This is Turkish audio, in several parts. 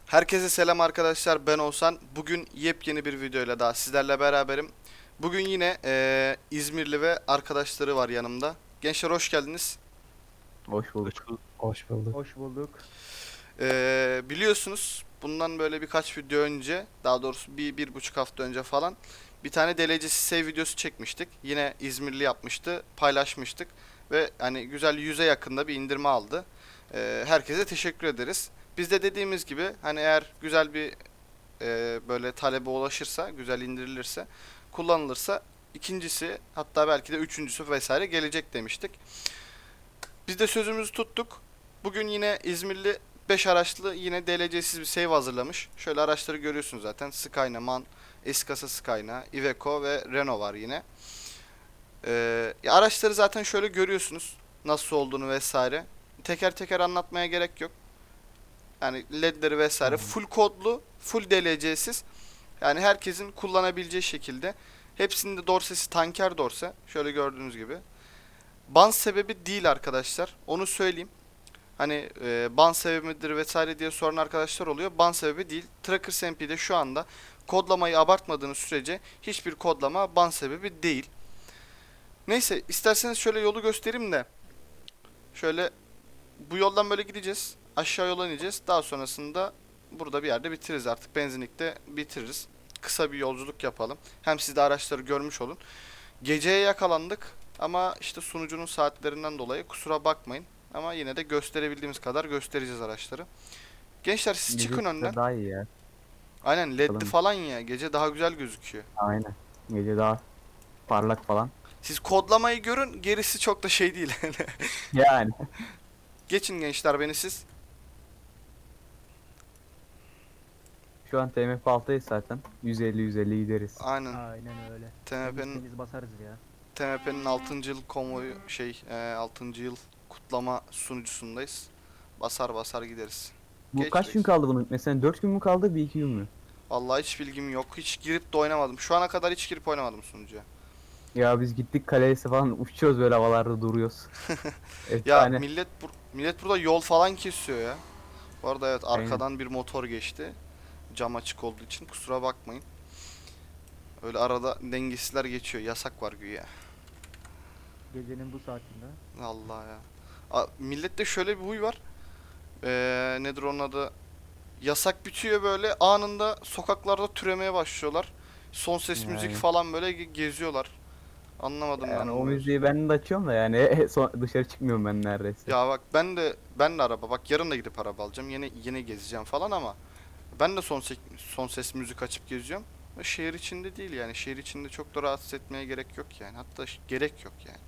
Herkese selam arkadaşlar, ben Oğuzhan. Bugün yepyeni bir videoyla daha sizlerle beraberim. Bugün yine İzmirli ve arkadaşları var yanımda. Gençler hoş geldiniz. Hoş Hoş bulduk. bulduk. Hoş bulduk. Hoş bulduk. Biliyorsunuz bundan böyle birkaç video önce, daha doğrusu bir buçuk hafta önce falan bir tane delecesi save videosu çekmiştik. Yine İzmirli yapmıştı, paylaşmıştık ve hani güzel 100'e yakında bir indirme aldı. Herkese teşekkür ederiz. Biz de dediğimiz gibi hani eğer güzel bir böyle talebe ulaşırsa, güzel indirilirse, kullanılırsa ikincisi hatta belki de üçüncüsü vesaire gelecek demiştik. Biz de sözümüzü tuttuk. Bugün yine İzmirli 5 araçlı yine DLC'siz bir save hazırlamış. Şöyle araçları görüyorsunuz zaten. Skyna, MAN, S-Kasa Skyna, Iveco ve Renault var yine. Ya araçları zaten şöyle görüyorsunuz. Nasıl olduğunu vesaire. Teker teker anlatmaya gerek yok. Yani ledleri vesaire Aynen. full kodlu, full DLC'siz. Yani herkesin kullanabileceği şekilde. Hepsinde dorsesi tanker dorse. Şöyle gördüğünüz gibi. Ban sebebi değil arkadaşlar. Onu söyleyeyim. Hani ban sebebi midir vesaire diye soran arkadaşlar oluyor. Ban sebebi değil. Trackers MP'de şu anda kodlamayı abartmadığınız sürece hiçbir kodlama ban sebebi değil. Neyse isterseniz şöyle yolu göstereyim de. Şöyle bu yoldan böyle gideceğiz. Aşağı yola ineceğiz. Daha sonrasında burada bir yerde bitiririz artık. Benzinlikte bitiririz. Kısa bir yolculuk yapalım. Hem siz de araçları görmüş olun. Geceye yakalandık ama işte sunucunun saatlerinden dolayı kusura bakmayın. Ama yine de gösterebildiğimiz kadar göstereceğiz araçları. Gençler siz Gece çıkın çıksa önden. daha iyi ya. Aynen ledli Bakalım. falan ya. Gece daha güzel gözüküyor. Aynen. Gece daha parlak falan. Siz kodlamayı görün. Gerisi çok da şey değil. Yani. Geçin gençler beni siz. Şu an TMF 6'yız zaten. 150-150 gideriz. Aynen. Aynen öyle. TMP'nin Temiz basarız ya. TMP'nin 6. yıl konvoyu 6. yıl kutlama sunucusundayız. Basar basar gideriz. Bu Geç kaç gün reis. kaldı bunun? Mesela 4 gün mü kaldı, bir iki gün mü? Vallahi hiç bilgim yok. Hiç girip de oynamadım. Şu ana kadar hiç girip oynamadım sunucuya. Ya biz gittik kalesi falan uçuyoruz, böyle havalarda duruyoruz. Ya Efsane. millet burada yol falan kesiyor ya. Bu arada evet Aynen. arkadan bir motor geçti. Cam açık olduğu için kusura bakmayın. Öyle arada dengesizler geçiyor. Yasak var güya. Gecenin bu saatinde. Allah ya. Millette şöyle bir huy var. Nedir onun adı? Yasak bitiyor böyle anında sokaklarda türemeye başlıyorlar. Son ses müzik Yani, falan böyle geziyorlar. Anlamadım ben yani o bu mevzuyu. müziği ben de açıyorum da yani dışarı çıkmıyorum ben neredeyse. Ya bak ben de araba bak yarın da gidip araba alacağım. Yine gezeceğim falan ama ben de son ses müzik açıp geziyorum. Ve şehir içinde değil yani. Şehir içinde çok da rahatsız etmeye gerek yok yani. Hatta gerek yok yani.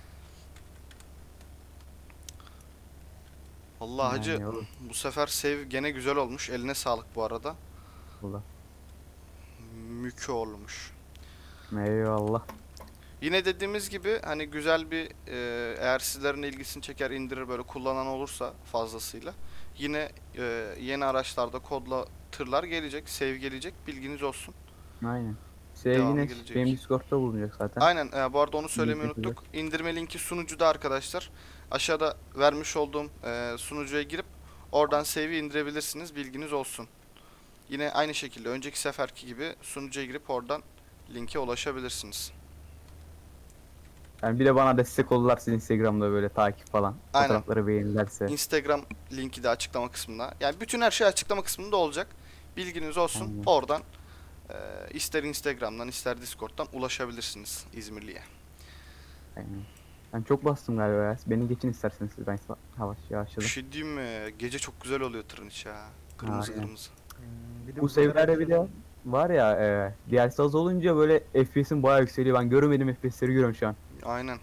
Allah hacı Yani olur. bu sefer save gene güzel olmuş. Eline sağlık bu arada. Allah. Mükü olmuş. Eyvallah. Yine dediğimiz gibi hani güzel bir eğer sizlerin ilgisini çeker indirir böyle kullanan olursa fazlasıyla yine yeni araçlarda kodla tırlar gelecek, save gelecek bilginiz olsun. Aynen. Devamı Yine benim gelecek. Discord'da bulunacak zaten. Aynen bu arada onu söylemeyi Bildiğiniz üzere. unuttuk. İndirme linki sunucuda arkadaşlar. Aşağıda vermiş olduğum sunucuya girip oradan save'i indirebilirsiniz bilginiz olsun. Yine aynı şekilde önceki seferki gibi sunucuya girip oradan linke ulaşabilirsiniz. Yani bir de bana destek olurlarsa Instagram'da böyle takip falan. Aynen. Fotoğrafları beğenirlerse. Instagram linki de açıklama kısmında. Yani bütün her şey açıklama kısmında olacak. Bilginiz olsun. Aynen. Oradan ister Instagram'dan ister Discord'dan ulaşabilirsiniz İzmirli'ye. Aynen. Ben çok bastım galiba ya. Beni geçin isterseniz siz, ben yavaş Bir yavaşladım. şey diyeyim mi? Gece çok güzel oluyor tırın içi ha. Kırmızı Aynen. kırmızı. Bir de Bu sefer seviyelerde bir de var ya, DLC az olunca böyle FPS'im bayağı yükseliyor. Ben görmediğim FPS'leri görüyorum şu an. Aynen.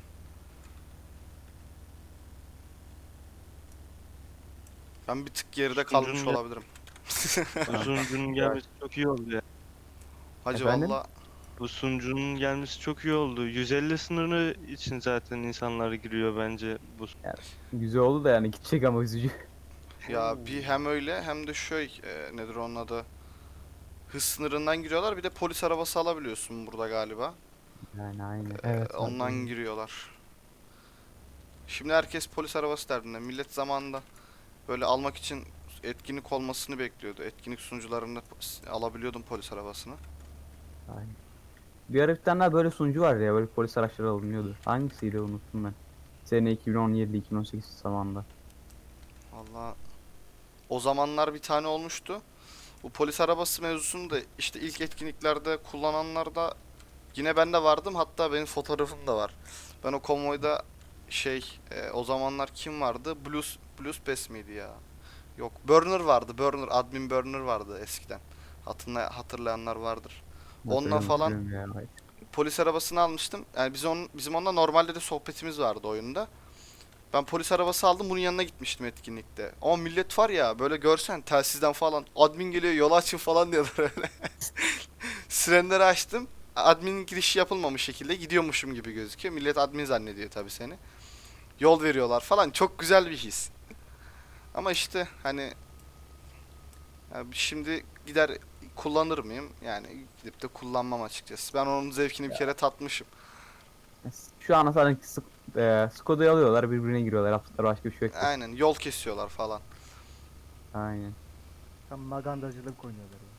Ben bir tık geride kalmış Sunucunun, olabilirim. bu sunucunun gelmesi çok iyi oldu ya. Hacı Efendim? valla Bu sunucunun gelmesi çok iyi oldu. 150 sınırı için zaten insanlar giriyor bence bu. Yani güzel oldu da yani gidecek ama üzücü. ya bir hem öyle hem de nedir onun adı? Hız sınırından giriyorlar bir de polis arabası alabiliyorsun burada galiba. Yani aynen. Evet var Ondan doğru. giriyorlar. Şimdi herkes polis arabası derdinde. Millet zamanında böyle almak için etkinlik olmasını bekliyordu. Etkinlik sunucularında alabiliyordum polis arabasını. Aynen. Bir ara bir tane daha böyle sunucu vardı ya, böyle polis araçları alınıyordu. Hangisiydi unuttum ben. Sene 2017-2018 zamanında. Valla o zamanlar bir tane olmuştu. Bu polis arabası mevzusunu da işte ilk etkinliklerde kullananlar da yine ben de vardım. Hatta benim fotoğrafım da var. Ben o konvoyda o zamanlar kim vardı? Blues Pass miydi ya? Yok, Burner vardı. Admin Burner vardı eskiden. Hatırlayanlar vardır. Onunla falan Hatırlıyorum ya. polis arabasını almıştım. Yani bizim onunla normalde de sohbetimiz vardı oyunda. Ben polis arabası aldım, bunun yanına gitmiştim etkinlikte. Ama millet var ya, böyle görsen telsizden falan admin geliyor, yolu açın falan diyorlar öyle. Sirenleri açtım. Admin girişi yapılmamış şekilde gidiyormuşum gibi gözüküyor. Millet admin zannediyor tabii seni. Yol veriyorlar falan. Çok güzel bir his. Ama işte hani ya şimdi gider kullanır mıyım? Yani gidip de kullanmam açıkçası. Ben onun zevkini bir kere tatmışım. Şu an sanki Skoda'yı alıyorlar, birbirine giriyorlar. Yaptıkları başka bir şey yok. Aynen, yol kesiyorlar falan. Aynen. Tam magandacılık oynuyorlar ya.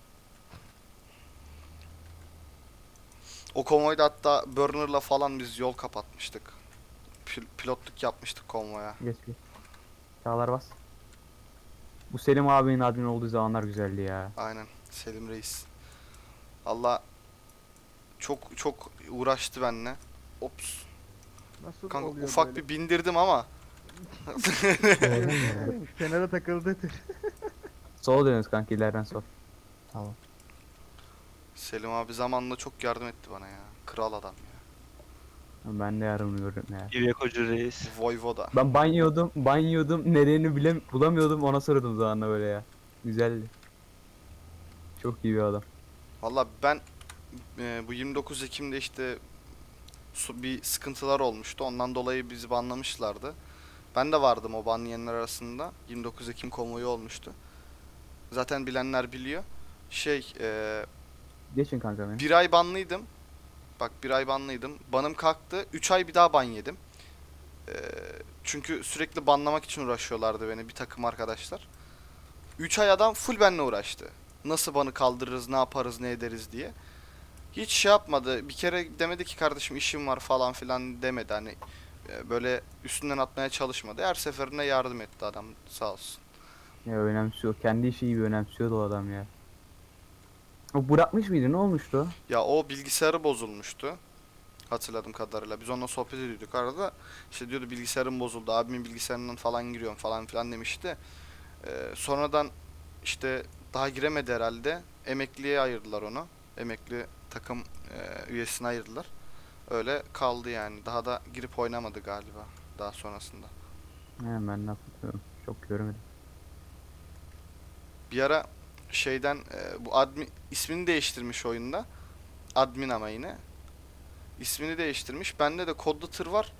O konvoyda hatta Burner'la falan biz yol kapatmıştık. Pilotluk yapmıştık konvoya. Geç geç. Çağlar bas. Bu Selim abinin admin olduğu zamanlar güzeldi ya. Aynen, Selim Reis. Allah çok çok uğraştı benimle. Ops. Nasıl Kanka oluyor ufak böyle? bir bindirdim ama Kenara takıldı. Sola dönüyoruz kanka, ileriden sol. Tamam. Selim abi zamanla çok yardım etti bana ya. Kral adam ya. Ben de yardım gördüm ya. İvekocu reis. Voyvoda. Ben banıyordum, nedenini bulamıyordum, ona sordum zamanla böyle ya. Güzeldi. Çok iyi bir adam. Valla ben bu 29 Ekim'de işte bir sıkıntılar olmuştu. Ondan dolayı bizi banlamışlardı. Ben de vardım o banlayanlar arasında. 29 Ekim konvoyu olmuştu. Zaten bilenler biliyor. Geçin kanka beni. Bir ay banlıydım. Bak, bir ay banlıydım. Banım kalktı. 3 ay bir daha ban yedim. Ee, Çünkü sürekli banlamak için uğraşıyorlardı beni bir takım arkadaşlar. 3 ay adam full benimle uğraştı. Nasıl banı kaldırırız, ne yaparız, ne ederiz diye. Hiç şey yapmadı. Bir kere demedi ki kardeşim işim var falan filan demedi. Hani böyle üstünden atmaya çalışmadı. Her seferinde yardım etti adam, sağ olsun. Ya önemsiyor. Kendi işi gibi önemsiyordu o adam ya. O bırakmış mıydı? Ne olmuştu? Ya o bilgisayarı bozulmuştu. Hatırladığım kadarıyla. Biz onunla sohbet ediyorduk arada. İşte diyordu bilgisayarım bozuldu. Abimin bilgisayarından falan giriyorum falan filan demişti. Sonradan işte daha giremedi herhalde. Emekliye ayırdılar onu. Emekli takım üyesine ayırdılar. Öyle kaldı yani. Daha da girip oynamadı galiba daha sonrasında. He, ben de hatırlıyorum. Çok görmedim. Bir ara bu admin ismini değiştirmiş oyunda. Admin ama yine. İsmini değiştirmiş. Bende de kodlu tır var.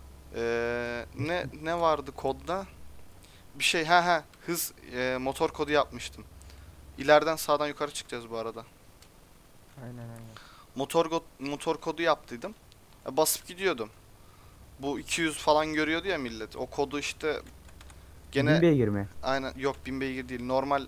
Ne vardı kodda? Bir şey hız motor kodu yapmıştım. İleriden sağdan yukarı çıkacağız bu arada. Aynen. Motor kodu yaptıydım. Basıp gidiyordum. Bu 200 falan görüyordu ya millet. O kodu işte gene 1000 beygir mi? aynen, yok 1000 beygir değil. Normal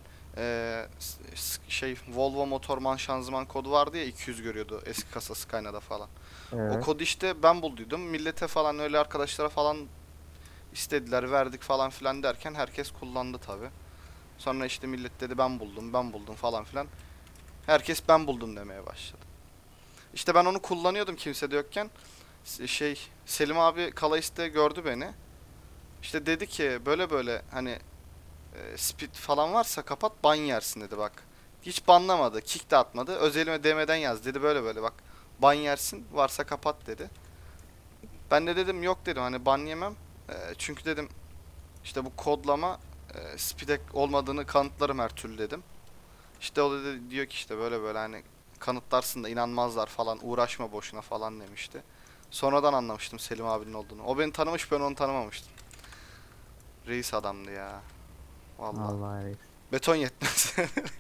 Volvo motorman şanzıman kodu vardı ya, 200 görüyordu eski kasa Skyline'da falan. O Evet. kodu işte ben bulduydum. Millete falan öyle arkadaşlara falan istediler, verdik falan filan derken herkes kullandı tabi. Sonra işte millet dedi ben buldum falan filan. Herkes ben buldum demeye başladı. İşte ben onu kullanıyordum kimse de yokken. Selim abi Kalayiste gördü beni. İşte dedi ki böyle böyle hani speed falan varsa kapat, ban yersin dedi bak. Hiç banlamadı, kick de atmadı. Özelime DM'den yaz dedi, böyle böyle bak. Ban yersin, varsa kapat dedi. Ben de dedim yok dedim, hani ban yemem. Çünkü dedim işte bu kodlama speed olmadığını kanıtlarım her türlü dedim. İşte o da diyor ki işte böyle böyle hani kanıtlarsın da inanmazlar falan, uğraşma boşuna falan demişti. Sonradan anlamıştım Selim abinin olduğunu. O beni tanımış, ben onu tanımamıştım. Reis adamdı ya. Vallahi. Allah reis. Beton yetmez.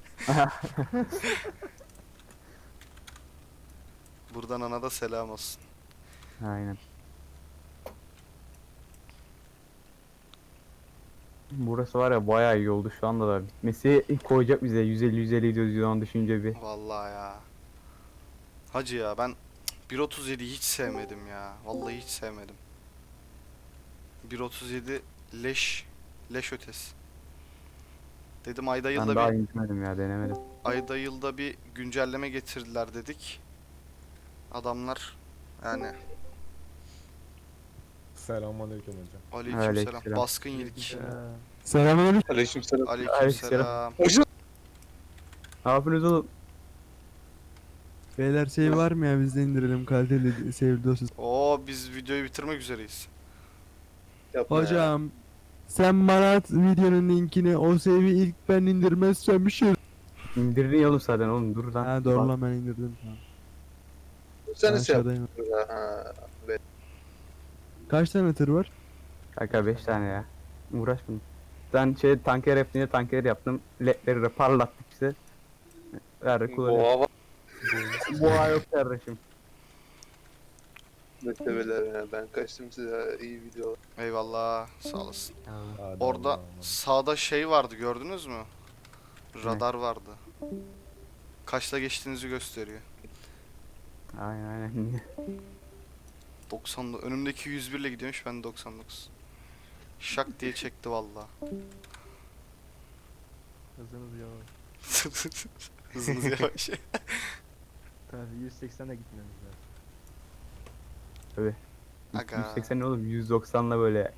Buradan ana da selam olsun. Aynen. Burası var ya bayağı iyi oldu şu anda da. Bitmesi koyacak bize 150-150 diyoruz şu an düşünce bir. Vallahi ya. Hacı ya ben 1.37'yi hiç sevmedim ya. Vallahi hiç sevmedim. 1.37 leş ötesi. Dedim ayda Ben yılda daha bir indirmedim ya denemedim. ayda yılda bir güncelleme getirdiler dedik. Adamlar yani Selamünaleyküm hocam. aleykümselam Aleykümselam. baskın yedik. Selamünaleyküm. Aleykümselam. Aleykümselam. Ne yapıyorsunuz oğlum? Beyler şey var mı ya biz de indirelim kaliteli save dosyası. Oo biz videoyu bitirmek üzereyiz. Yapma ya. Hocam sen bana at videonun linkini o save'i ilk ben indirmezsem bir şey. İndirdin oğlum zaten oğlum dur lan. Ha doğru lan ben indirdim. Tamam. Sen Ben nasıl yaptın? aşağıdayım. Ha, be- Kaç tane tır var? Kanka 5 tane ya. Uğraşmadım. Ben tanker yaptığında tanker yaptım. Ledleri de parlattık işte. Verdik kullanıyor. Boğa var. Boğa yok kardeşim. Beklemeler ya. Ben kaçtım size. İyi video. Eyvallah sağ olasın. Hadi Orada Allah'a emanet. sağda şey vardı gördünüz mü? Radar vardı. Kaçta geçtiğinizi gösteriyor. Aynen aynen. 90'da önümdeki 101 ile gidiyormuş ben 99. Şak diye çekti valla. Hızınız yavaş. Hızınız yavaş. Tabii 180'e gitmemiz lazım. Tabii. Aga. 180 ne oğlum 190'la böyle.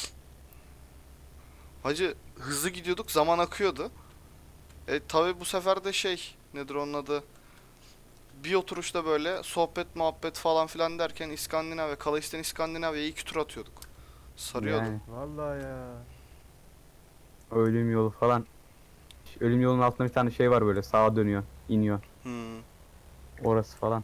Hacı hızlı gidiyorduk zaman akıyordu. Tabi bu sefer de nedir onun adı? Bir oturuşta böyle sohbet muhabbet falan filan derken İskandinavya, Kalaisten İskandinavya'ya 2 tur atıyorduk. Sarıyordu. Yani Vallahi ya. ölüm yolu falan. Ölüm yolunun altında bir tane şey var böyle sağa dönüyor, iniyor. Hmm. Orası falan.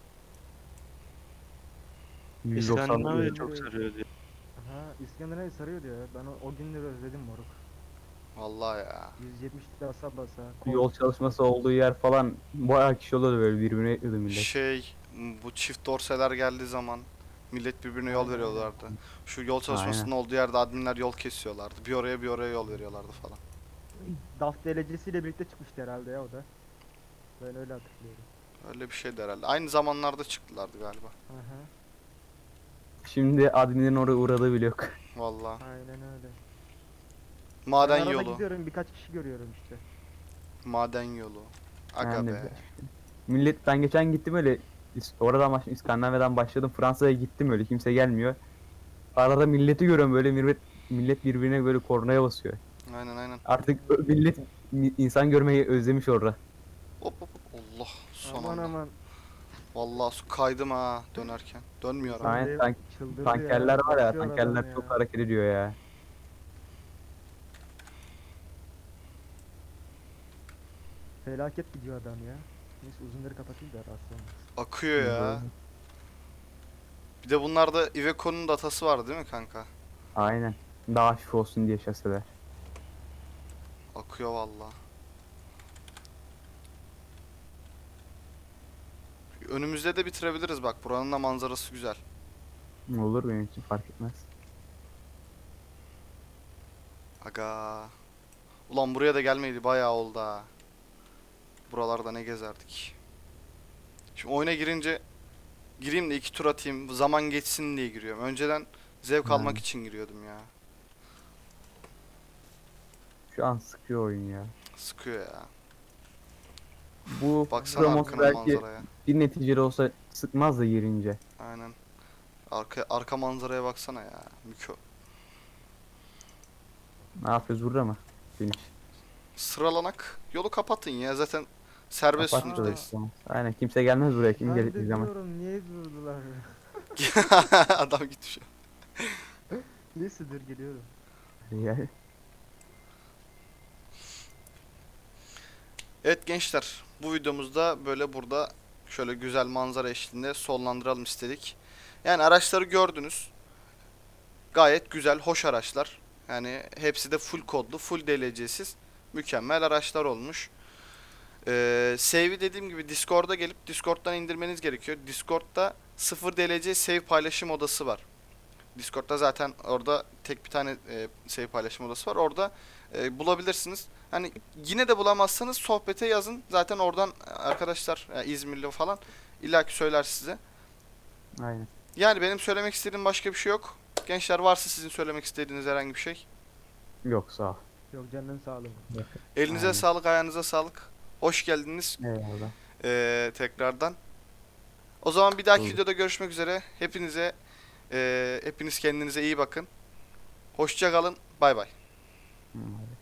190 İskandinavya diyor. çok sarıyor diye. Aha İskandinavya sarıyordu ya. Ben o günleri özledim moruk. Vallahi ya. 170 basa basa. Yol çalışması olduğu yer falan bayağı kişi oluyordu böyle birbirine yetiyordu millet. Bu çift dorseler geldiği zaman millet birbirine yol Aynen, veriyorlardı. Şu yol çalışmasının olduğu yerde adminler yol kesiyorlardı. Bir oraya yol veriyorlardı falan. DAF delecesiyle birlikte çıkmıştı herhalde ya o da. Ben öyle hatırlıyorum. Öyle bir şeydi herhalde. Aynı zamanlarda çıktılardı galiba. Aha. Şimdi adminlerin oraya uğradığı bile yok. Vallahi. Aynen öyle. Maden Ben arada yolu. gidiyorum birkaç kişi görüyorum işte. Maden yolu. Aga Yani be. millet ben geçen gittim öyle oradan başladım İskandinavya'dan başladım Fransa'ya gittim öyle kimse gelmiyor. Arada milleti görüyorum böyle millet birbirine böyle kornaya basıyor. Aynen. Artık millet insan görmeyi özlemiş orada. Hop hop hop. Allah son Aman anda. aman. Vallahi su kaydım ha dönerken. Dönmüyorum. Aynen, Dev tank- çıldırdı Tankerler var ya basıyor tankerler adam çok ya. hareket ediyor ya. Felaket gidiyor adam ya. Neyse uzunları kapatayım da rahatsız olmasın. Akıyor ya. Bir de bunlarda Iveco'nun datası var değil mi kanka? Aynen. Daha hafif olsun diye şaseler. Akıyor valla. Önümüzde de bitirebiliriz bak. Buranın da manzarası güzel. Olur benim için fark etmez. Aga. Ulan buraya da gelmeydi bayağı oldu ha. Buralarda ne gezerdik. Şimdi oyuna girince gireyim de 2 tur atayım. Zaman geçsin diye giriyorum. Önceden zevk Yani. almak için giriyordum ya. Şu an sıkıyor oyun ya. Sıkıyor ya. Bu Baksana Promos arkana belki manzaraya. bir neticeli olsa sıkmaz da girince. Aynen. Arka manzaraya baksana ya. Mükö. Ne yapıyoruz burada mı? Finish. Sıralanak. Yolu kapatın ya. Zaten serbest Kapat da sunucudayız. işte. Aynen kimse gelmez buraya kim Ben gelecek de zaman. diyorum niye durdular? Adam gitmiş. Neyse dur geliyorum. Yani Evet gençler. Bu videomuzda böyle burada şöyle güzel manzara eşliğinde sonlandıralım istedik. Yani araçları gördünüz. Gayet güzel, hoş araçlar. Yani hepsi de full kodlu, full DLC'siz. Mükemmel araçlar olmuş. Save'i dediğim gibi Discord'a gelip Discord'dan indirmeniz gerekiyor. Discord'da 0 DLC save paylaşım odası var. Discord'da zaten orada tek bir tane save paylaşım odası var. Orada bulabilirsiniz. Hani yine de bulamazsanız sohbete yazın. Zaten oradan arkadaşlar İzmirli falan illaki söyler size. Aynen. Yani benim söylemek istediğim başka bir şey yok. Gençler varsa sizin söylemek istediğiniz herhangi bir şey. Yok sağ ol. Yok canının sağlığı. Elinize Aynen. sağlık, ayağınıza sağlık. Hoş geldiniz Eyvallah. tekrardan. O zaman bir dahaki Olur. videoda görüşmek üzere. Hepiniz kendinize iyi bakın. Hoşça kalın. Bay bay. Hı.